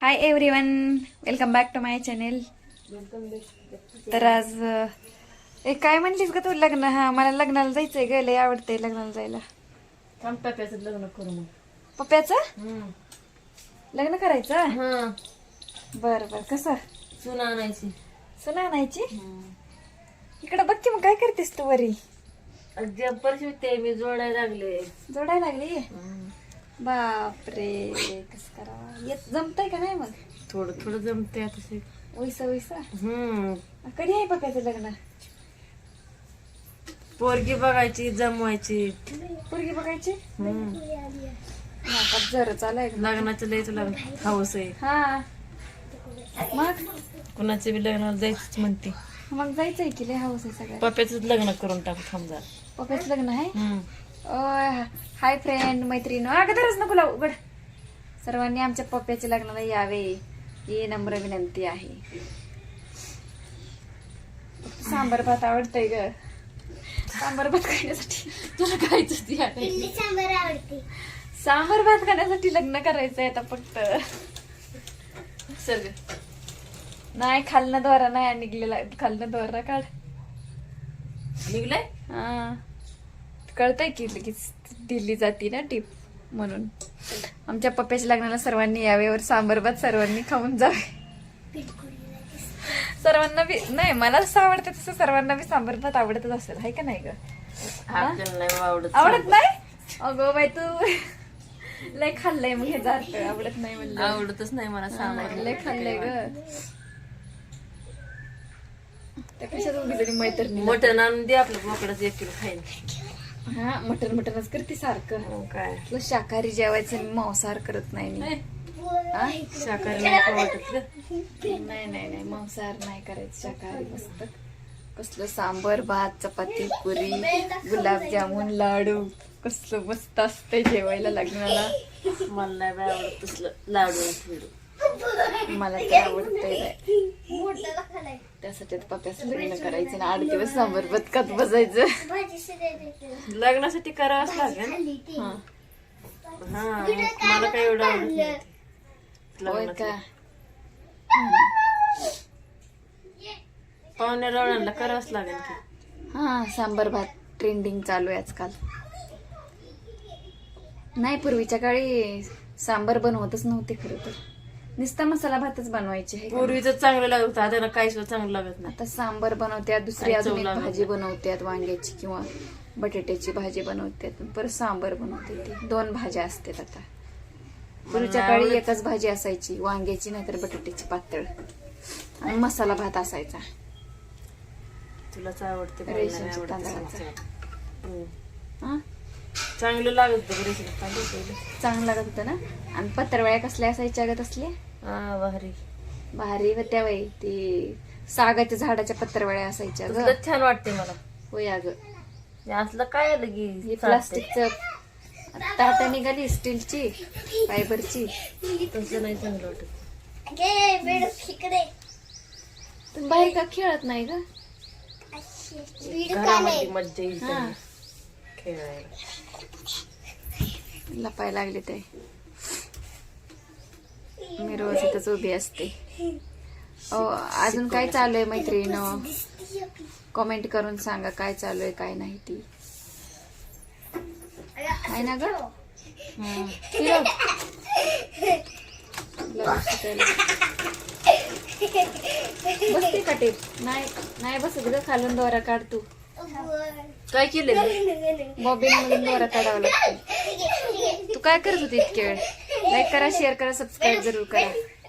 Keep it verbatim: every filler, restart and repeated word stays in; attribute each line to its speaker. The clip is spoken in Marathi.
Speaker 1: High everyone, welcome back to my channel. तर आज ए काय म्हणलीस ग तू? लग्न? हा, मला लग्नाला जायचंय ग, लय आवडतंय लग्नाला जायला.
Speaker 2: पप्प्याचं लग्न करू मग.
Speaker 1: पप्प्याचं लग्न करायचं? बर बर. कसं?
Speaker 2: चुना आणायची.
Speaker 1: सुना आणायची? इकडं बघ की, मग काय करतेस तू वरी?
Speaker 2: जब्बर शिवते मी, जोडायला लागले.
Speaker 1: जोडायला लागली? बापरे, कस करा? येत जमतंय का नाही मग?
Speaker 2: थोडं थोडं जमते आता.
Speaker 1: वैसा वैसा.
Speaker 2: हम्म
Speaker 1: कधी आहे पप्प्याचं लग्न?
Speaker 2: पोरगी बघायची, जमवायची.
Speaker 1: पोरगी बघायची?
Speaker 2: हम्म
Speaker 1: जर चालाय
Speaker 2: लग्नाचं लयच लग्न हाऊस आहे.
Speaker 1: हा, मग
Speaker 2: कुणाचे बी लग्नाला जायचंच म्हणते.
Speaker 1: मग जायचंय की, लय हाऊस आहे सगळ्या.
Speaker 2: पप्प्याच लग्न करून टाकू समजा.
Speaker 1: पप्प्याचं लग्न आहे?
Speaker 2: हम्म
Speaker 1: ओय, हाय फ्रेंड, मैत्रीण, अगोदरच नको लावू, उघड. सर्वांनी आमच्या पप्प्याच्या लग्नाला यावे ही नम्र विनंती आहे. सांबर भात आवडतंय ग. सांबर भात खाण्यासाठी तुला खायचं सांबर आवडते. सांबर भात खाण्यासाठी लग्न करायचंय आता फक्त. सर नाही, खालनं दोरा नाही निघलेला, खालनं दोरा काढ.
Speaker 2: निघलाय?
Speaker 1: हा, कळतंय की लगेच दिली जाती ना टीप. म्हणून आमच्या पप्प्याच्या लग्नाला सर्वांनी यावे वर सांबर भात सर्वांनी खाऊन जावे. सर्वांना बी नाही, मला जसं आवडतं तसं सर्वांना बी सांबर भात आवडतच असेल, आहे का नाही ग?
Speaker 2: आपल्याला नाही आवडत.
Speaker 1: आवडत नाही? अगो बाई, तू लय खाल्लंय मग हे जात. आवडत नाही म्हणलं?
Speaker 2: आवडतच नाही मला सांबार.
Speaker 1: लय खाल्लंय ग. त्या कशात उभी तरी मैत्रिणी.
Speaker 2: मटण आणून दे आपलं, बोकडाचं एक किलो खाईन.
Speaker 1: हा, मटन मटनच करते सारखं.
Speaker 2: हो काय,
Speaker 1: तुला शाकाहारी जेवायचं आणि मांसाहार करत नाही मी. हा?
Speaker 2: शाकाहारी नाही का वाटत ग?
Speaker 1: नाही नाही नाही, मांसाहार नाही करायचं, शाकाहारी मस्त. कसलं सांबर भात, चपाती, पुरी, गुलाबजामुन, लाडू, कसलं मस्त असतंय जेवायला लग्नाला.
Speaker 2: मला नाही बाय आवडत तसलं लाडू फिडू.
Speaker 1: मला तर आवडतंय. त्यासाठी पप्प्याचं लग्न करायचं ना, आठ दिवस सांबर भात खात बसायचं.
Speaker 2: लग्नासाठी करावंच लागेल.
Speaker 1: हा,
Speaker 2: हा, मला काय एवढं आवडत नाही
Speaker 1: होय
Speaker 2: लग्नाचं.
Speaker 1: का?
Speaker 2: पाहुण्या रावणाला करावंच लागेल की.
Speaker 1: हा, सांबर भात ट्रेंडिंग चालू आहे आजकाल. नाही, पूर्वीच्या काळी सांबर बनवतच नव्हते खरं तर, नुसता मसाला भातच बनवायचे.
Speaker 2: पूर्वीच चांगलं लागत होतं, आता काही सुद्धा चांगलं लागत नाही.
Speaker 1: आता सांबर बनवत्यात, दुसरी
Speaker 2: काय चव
Speaker 1: अजून एक
Speaker 2: लागत
Speaker 1: भाजी बनवत्यात, वांग्याची किंवा बटाट्याची भाजी बनवत्यात, परत सांबर बनवते. ती दोन भाज्या असतात आता. पूर्वीच्या
Speaker 2: मला
Speaker 1: काळी एकच भाजी असायची, वांग्याची नाहीतर बटाट्याची पातळ, आणि मसाला भात असायचा.
Speaker 2: तुलाच आवडते, मला
Speaker 1: रेशनच्या
Speaker 2: नाही आवडत
Speaker 1: तांदळाचा.
Speaker 2: तसं. हम्म.
Speaker 1: हा,
Speaker 2: चांगलं लागत होतं रेशन तांदूळ.
Speaker 1: चांगलं लागत होतं ना. आणि पत्रवळ्या कसल्या असायच्या ग तसल्या?
Speaker 2: हा, भारी
Speaker 1: भारी होत्या बाई. ती सागाच्या झाडाच्या पत्रवळ्या असायच्या ग.
Speaker 2: तुला छान वाटते मला.
Speaker 1: होय अग.
Speaker 2: हे असलं काय आलं की
Speaker 1: हे प्लास्टिकचं ताटा निघाली, स्टीलची, फायबरची.
Speaker 2: तसं नाही चांगलं वाटत.
Speaker 1: तुम्ही बाहेर का खेळत नाही ग?
Speaker 2: घरामध्ये मज्जा येईल
Speaker 1: हा.
Speaker 2: त्यांना खेळायला.
Speaker 1: लपाय लागले ते. मी रोज इथंच उभी असते. अहो, अजून काय चालू आहे मैत्रिणीनं? कमेंट करून सांगा काय चालू आहे काय नाही ती. आहे ना ग? हं. फिरव. ब्लाऊज शिकायला. बसते का टेप? नाही नाही बसत ग, खालून दोरा काढ तू.
Speaker 2: काय केलं?
Speaker 1: बॉबिन मधून दोरा काढावा लागतो. तू काय करत होती इतके वेळ? लाईक करा, शेअर करा, सबस्क्राईब जरूर करा.